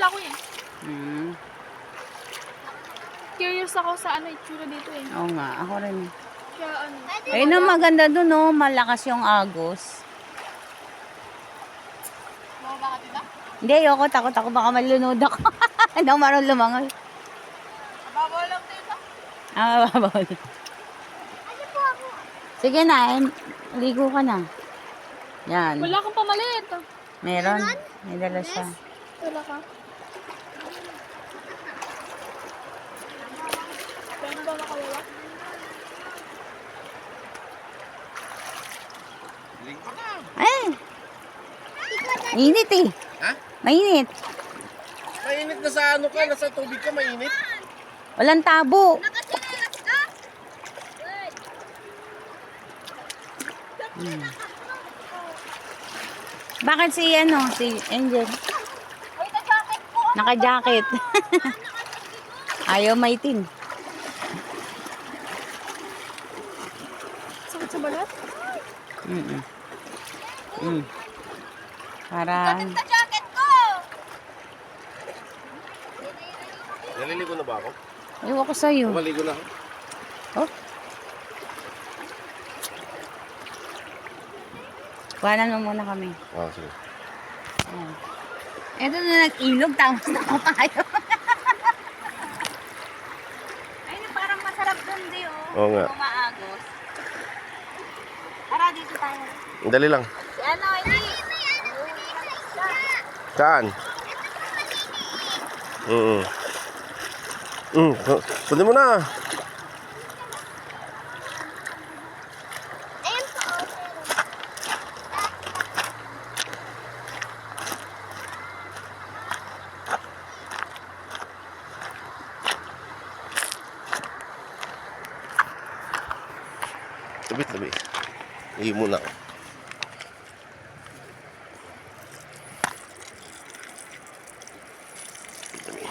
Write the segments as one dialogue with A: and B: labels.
A: pala ako eh.
B: Hmm.
A: Curious ako sa ano itsura dito eh.
B: Oo nga, ako rin.
A: Kaya ano.
B: Ayun ang maganda dun, no? Malakas yung agos.
A: Bumaba ka dito?
B: Hindi, ayoko. Takot ako. Baka malunod ako. Hindi ako marunong lumangoy.
A: Babaw lang dito.
B: Ah, mababawal. Sige na, ligo ka na. Yan.
A: Wala kang pamalit.
B: Meron. May dala siya.
A: Wala ka. Pwede ba makawala?
B: Ay! Mainit eh.
C: Ha?
B: Mainit.
C: Mainit na sa ano ka, nasa tubig ka, mainit.
B: Walang tabo. Hmm. Bakit si Angel? Naka-jacket. Ayaw maitim.
A: Sakit sa balat?
B: Para
A: jacket ko!
C: Naliligo na ba ako?
B: ayaw ko sa'yo.
C: Maligo na ako.
B: Oh. Kuhanan mo muna kami.
C: Ah, sige.
B: Ayan. Ito na nag-ilog, tapos nakapayo. Ayun, parang masarap dun di, oh.
C: Oo nga.
B: Umaagos. Tara, dito tayo.
C: Dali lang.
B: Si ano, hindi.
C: Saan? Pwede mo na. Tabi. Hindi muna ako. Tabi.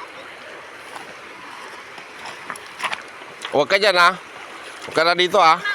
C: Huwag ka dyan, ha? Huwag ka na dito, ha?